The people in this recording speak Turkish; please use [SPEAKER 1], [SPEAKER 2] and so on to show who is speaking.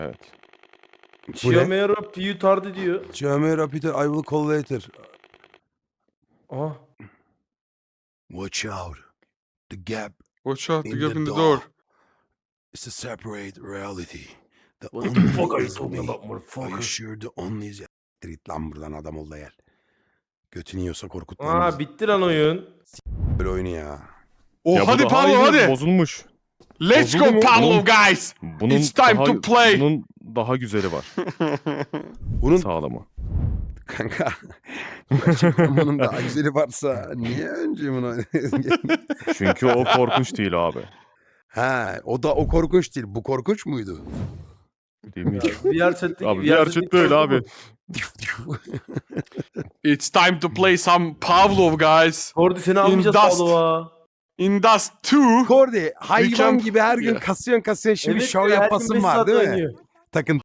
[SPEAKER 1] Evet.
[SPEAKER 2] Chiomero Piu Tardi diyor.
[SPEAKER 3] Chiomero Peter, I will call later.
[SPEAKER 2] Ah.
[SPEAKER 3] Watch out. The gap
[SPEAKER 4] Watch out, the
[SPEAKER 3] in
[SPEAKER 4] gap
[SPEAKER 3] the
[SPEAKER 4] in the
[SPEAKER 3] door
[SPEAKER 4] door.
[SPEAKER 3] is a separate reality. The
[SPEAKER 2] What the fuck are you
[SPEAKER 3] is
[SPEAKER 2] talking
[SPEAKER 3] me.
[SPEAKER 2] about,
[SPEAKER 3] Are you
[SPEAKER 2] motherfucker?
[SPEAKER 3] sure the only is... Git lan buradan, adam ol da gel. Götünü yiyorsa korkut lan
[SPEAKER 2] Aa
[SPEAKER 3] bizi.
[SPEAKER 2] bitti lan oyun.
[SPEAKER 3] Böyle oyunu ya.
[SPEAKER 4] Oh,
[SPEAKER 1] Ya bu
[SPEAKER 4] hadi
[SPEAKER 1] daha
[SPEAKER 4] Pablo
[SPEAKER 1] iyi,
[SPEAKER 4] hadi.
[SPEAKER 1] bozulmuş.
[SPEAKER 4] Let's
[SPEAKER 1] Bozuldu
[SPEAKER 4] go
[SPEAKER 1] mu?
[SPEAKER 4] Pablo
[SPEAKER 1] Bunun-
[SPEAKER 4] guys.
[SPEAKER 1] Bunun
[SPEAKER 4] It's time
[SPEAKER 1] daha,
[SPEAKER 4] to play.
[SPEAKER 1] Bunun daha güzeli var.
[SPEAKER 3] Bunun
[SPEAKER 1] Sağlamı.
[SPEAKER 3] kanka gerçekten bunun daha güzeli varsa niye önce bunu
[SPEAKER 1] Çünkü o korkunç değil abi.
[SPEAKER 3] Ha, o korkunç değil. Bu korkunç muydu?
[SPEAKER 1] Değil mi?
[SPEAKER 2] VR chat'teki
[SPEAKER 1] Abi VR chat'te öyle abi.
[SPEAKER 4] It's time to play some Pavlov guys.
[SPEAKER 2] Kordi seni almayacağız
[SPEAKER 4] Dust.
[SPEAKER 2] Pavlova.
[SPEAKER 4] In Dust 2.
[SPEAKER 3] Kordi hayvan
[SPEAKER 4] Mükemmel.
[SPEAKER 3] gibi her gün kasıyorsun şimdi
[SPEAKER 2] Evet
[SPEAKER 3] şov
[SPEAKER 2] ya, her gün
[SPEAKER 3] yapasın
[SPEAKER 2] beş
[SPEAKER 3] var
[SPEAKER 2] saat
[SPEAKER 3] değil mi?
[SPEAKER 2] oynuyor.
[SPEAKER 3] Takın